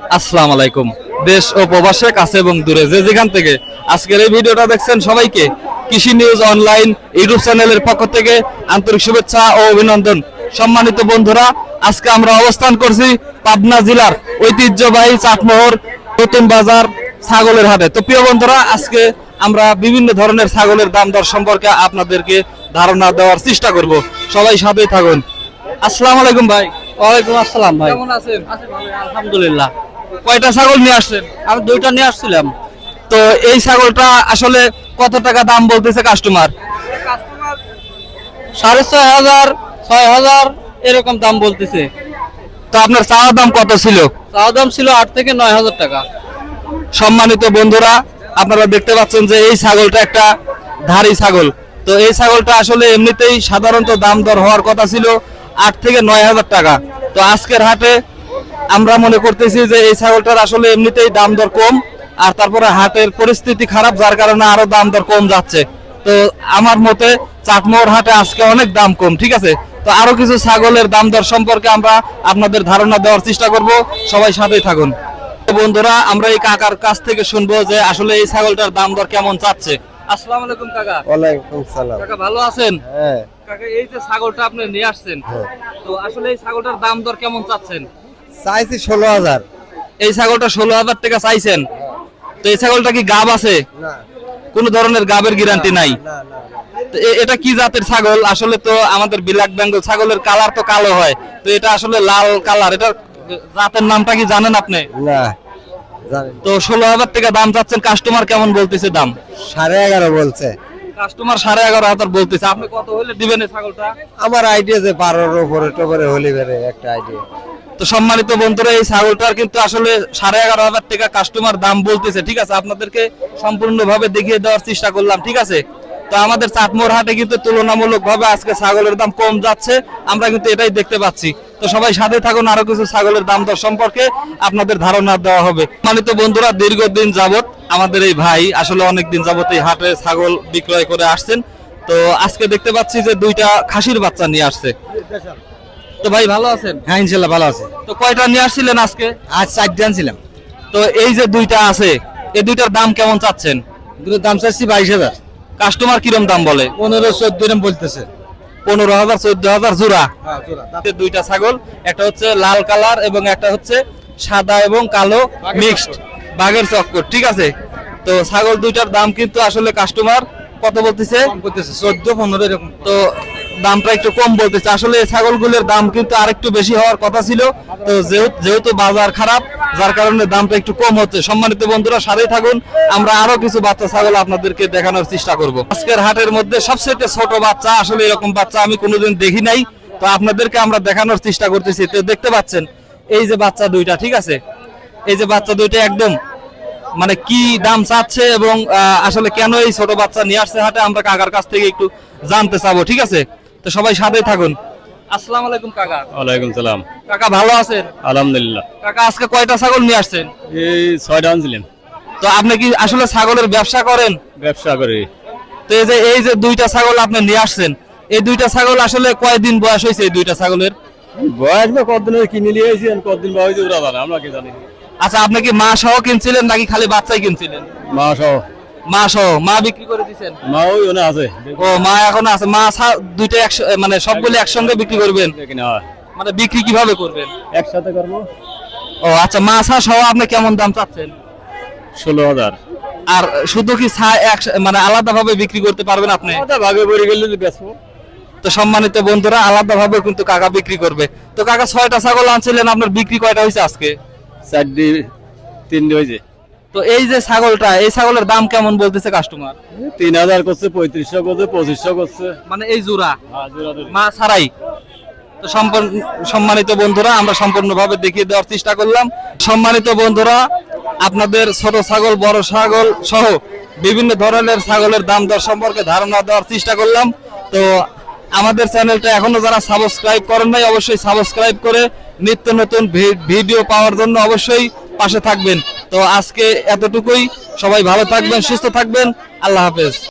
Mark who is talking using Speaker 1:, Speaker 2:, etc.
Speaker 1: আসসালামু আলাইকুম। দেশ ও প্রবাসে কাছে এবং দূরে যে যেখান থেকে আজকের এই ভিডিওটা দেখছেন সবাইকে কৃষি নিউজ অনলাইন ইউটিউব চ্যানেলের পক্ষ থেকে আন্তরিক শুভেচ্ছা ও অভিনন্দন। সম্মানিত বন্ধুরা, আজকে আমরা অবস্থান করছি পাবনা জেলার ঐতিহ্যবাহী চাটমোহর নতুন বাজার ছাগলের হাটে। তো প্রিয় বন্ধুরা, আজকে আমরা বিভিন্ন ধরনের ছাগলের দাম দর সম্পর্কে আপনাদেরকে ধারণা দেওয়ার চেষ্টা করব। সবাই সাথেই থাকুন। আসসালামু আলাইকুম ভাই।
Speaker 2: ওয়ালাইকুম আসসালাম ভাই।
Speaker 1: কেমন আছেন?
Speaker 2: আলহামদুলিল্লাহ।
Speaker 1: কয়টা ছাগল নিয়ে আসছেন?
Speaker 2: আমি দুইটা নিয়ে আসছিলাম।
Speaker 1: তো এই ছাগলটা আসলে কত টাকা দাম বলতেছে কাস্টমার?
Speaker 2: 6,500 6,000 এরকম দাম বলতেছে।
Speaker 1: তো আপনার চাওয়া দাম কত ছিল?
Speaker 2: চাওয়া দাম ছিল 8 থেকে 9,000 টাকা।
Speaker 1: সম্মানিত বন্ধুরা, আপনারা দেখতে পাচ্ছেন যে এই ছাগলটা একটা ধারী ছাগল। তো এই ছাগলটা আসলে এমনিতেই সাধারণত দাম দর হওয়ার কথা ছিল 8 থেকে 9,000 টাকা। তো আজকের হাটে আমরা মনে করতেছি যে এই ছাগলটার আসলে এমনিতেই দাম দর কম, আর তারপরে হাটের পরিস্থিতি খারাপ, যার কারণে আরো দাম দর কম যাচ্ছে। তো আমার মতে চাটমোহর হাটে আজকে অনেক দাম কম, ঠিক আছে। তো আরো কিছু ছাগলের দাম দর সম্পর্কে আমরা আপনাদের ধারণা দেওয়ার চেষ্টা করব। সবাই সাথেই থাকুন। বন্ধুরা, আমরা এই কাকার কাছ থেকে শুনবো যে আসলে এই ছাগলটার দাম দর কেমন চাচ্ছে। আসসালামু আলাইকুম কাকা।
Speaker 3: ওয়ালাইকুম সালাম।
Speaker 1: কাকা ভালো আছেন?
Speaker 3: হ্যাঁ
Speaker 1: কাকা, এই যে ছাগলটা আপনি নিয়ে আসছেন, তো আসলে এই ছাগলটার দাম দর কেমন চাচ্ছেন?
Speaker 3: চাইছি 16,000।
Speaker 1: এই ছাগলটা 16,000 টাকা চাইছেন। তো এই ছাগলটা কি গাব আছে?
Speaker 3: না
Speaker 1: কোন ধরনের গাবের গ্যারান্টি নাই?
Speaker 3: না না
Speaker 1: তো এটা কি জাতের ছাগল? আসলে তো আমাদের ব্ল্যাক বেঙ্গল ছাগলের কালার তো কালো হয়, তো এটা আসলে লাল কালার। এটা জাতের নামটা কি জানেন আপনি?
Speaker 3: না জানি
Speaker 1: তো 16,000 টাকা দাম চাচ্ছেন। কাস্টমার কেমন বলতেছে দাম?
Speaker 3: 11.5 বলছে।
Speaker 1: কাস্টমার 11,500 বলতেছে। আপনি কত হলে দিবেন এই ছাগলটা?
Speaker 3: আমার আইডিয়া যে 12-র উপরে টোপরে হলি বেড়ে একটা আইডিয়া।
Speaker 1: তো সম্মানিত বন্ধুরা, এই ছাগলটার কিন্তু আসলে 11,500 টাকা কাস্টমার দাম বলতেছে, ঠিক আছে। আপনাদেরকে সম্পূর্ণভাবে দেখিয়ে দেওয়ার চেষ্টা করলাম, ঠিক আছে। তো আমাদের চাটমোহর হাটে কিন্তু তুলনামূলকভাবে আজকে ছাগলের দাম কম যাচ্ছে, আমরা কিন্তু এটাই দেখতে পাচ্ছি। তো সবাই সাথে থাকুন, আরো কিছু ছাগলের দাম দর সম্পর্কে আপনাদের ধারণা দেওয়া হবে। সম্মানিত বন্ধুরা, দীর্ঘদিন যাবত আমাদের এই ভাই আসলে অনেক দিন যাবত এই হাটে ছাগল বিক্রয় করে আসছেন। তো আজকে দেখতে পাচ্ছি যে দুইটা খাসির বাচ্চা নিয়ে আসছে। তো ভাই ভালো আছেন?
Speaker 3: হ্যাঁ ইনশাল্লাহ ভালো আছে।
Speaker 1: তো কয়টা নিয়ে আসছিলেন আজকে?
Speaker 3: আজ 4টা আনছিলাম।
Speaker 1: তো এই যে দুইটা আছে, এই দুইটার দাম কেমন চাচ্ছেন?
Speaker 3: দুটোর দাম চাচ্ছি 22,000।
Speaker 1: কাস্টমার কিরম দাম বলে?
Speaker 3: 15-14 এরকম বলতেছে।
Speaker 1: 15,000 14,000 জোড়া। দুইটা ছাগল, একটা হচ্ছে লাল কালার এবং একটা হচ্ছে সাদা এবং কালো মিক্সড বাঘের চক্কর, ঠিক আছে। তো ছাগল দুইটার দাম কিন্তু আসলে কাস্টমার কত বলতেছে?
Speaker 3: বলতেছে 14-15 এরকম।
Speaker 1: তো দামটা একটু কম বলতেছে। আসলে এই ছাগলগুলোর দাম কিন্তু আরেকটু বেশি হওয়ার কথা ছিল। তো যেহেতু বাজার খারাপ, যার কারণে দামটা একটু কম হচ্ছে। সম্মানিত বন্ধুরা, সাথেই থাকুন, আমরা আরো কিছু বাচ্চা ছাগল আপনাদেরকে দেখানোর চেষ্টা করব। আজকের হাটের মধ্যে সবচেয়ে ছোট বাচ্চা, আসলে এরকম বাচ্চা আমি কোনোদিন দেখি নাই। তো আপনাদেরকে আমরা দেখানোর চেষ্টা করতেছি। তো দেখতে পাচ্ছেন এই যে বাচ্চা দুইটা, ঠিক আছে। এই যে বাচ্চা দুইটা একদম মানে কি দাম চাচ্ছে এবং আসলে কেন এই ছোট বাচ্চা নিয়ে আসছে হাটে, আমরা কাকার কাছ থেকে একটু জানতে চাবো, ঠিক আছে। তো সবাই সাথেই থাকুন। আসসালামু আলাইকুম কাকা।
Speaker 4: ওয়ালাইকুম সালাম।
Speaker 1: কাকা ভালো আছেন?
Speaker 4: আলহামদুলিল্লাহ।
Speaker 1: কাকা, আজকে কয়টা ছাগল নিয়ে আসছেন?
Speaker 4: এই 6টা আনছিলাম।
Speaker 1: তো আপনি কি আসলে ছাগলের ব্যবসা করেন?
Speaker 4: ব্যবসা করি।
Speaker 1: তো এই যে দুইটা ছাগল আপনি নিয়ে আসছেন, এই দুইটা ছাগল আসলে কয়দিন বয়স হয়েছে এই দুইটা ছাগলের?
Speaker 4: বয়স বা কতদিন কিনে নিয়ে এসেছি, কতদিন বয়স ওরা জানে, আমরা কি জানি।
Speaker 1: আচ্ছা, আপনি কি মা সহ কিনছিলেন নাকি খালি বাচ্চাই কিনছিলেন?
Speaker 4: মা সহ।
Speaker 1: মা সহ। মা বিক্রি করে দিচ্ছেন?
Speaker 4: মা ওই ওনে আছে।
Speaker 1: ও, মা এখন আছে। মা দুইটা মানে সবগুলো একসঙ্গে বিক্রি করবেন?
Speaker 4: কিনা হয়।
Speaker 1: মানে বিক্রি কিভাবে করবেন?
Speaker 4: একসাথে করবো।
Speaker 1: ও আচ্ছা, মাছা সহ আপনি কেমন দাম চাচ্ছেন?
Speaker 4: 16,000।
Speaker 1: আর শুধু কি মানে আলাদা ভাবে বিক্রি করতে পারবেন আপনি?
Speaker 4: ভাগে পড়ে গেলে বেচবো।
Speaker 1: তো সম্মানিত বন্ধুরা, আলাদা ভাবে কিন্তু কাকা বিক্রি করবে। তো কাকা 6টা ছাগল আনছিলেন, আপনার বিক্রি কয়টা হয়েছে আজকে?
Speaker 4: 4টি 3টি হয়েছে।
Speaker 1: তো এই যে ছাগলটা, এই ছাগলের দাম কেমন বলতেছে কাস্টমার?
Speaker 4: 3,000 করছে, 3500 করছে, 2500 করছে।
Speaker 1: মানে এই জোড়া
Speaker 4: হ্যাঁ জোড়া ধরে।
Speaker 1: মা ছাড়াই। তো সম্মানিত বন্ধুরা, আমরা সম্পূর্ণভাবে দেখিয়ে দেওয়ার চেষ্টা করলাম। সম্মানিত বন্ধুরা, আপনাদের ছোট ছাগল, বড় ছাগল সহ বিভিন্ন ধরনের ছাগলের দাম দর সম্পর্কে ধারণা দেওয়ার চেষ্টা করলাম। তো আমাদের চ্যানেলটা এখনো যারা সাবস্ক্রাইব করেন নাই, অবশ্যই সাবস্ক্রাইব করে নিত্য নতুন ভিডিও পাওয়ার জন্য অবশ্যই পাশে থাকবেন। তো আজকে এতটুকুই। সবাই ভালো থাকবেন, সুস্থ থাকবেন। আল্লাহ হাফেজ।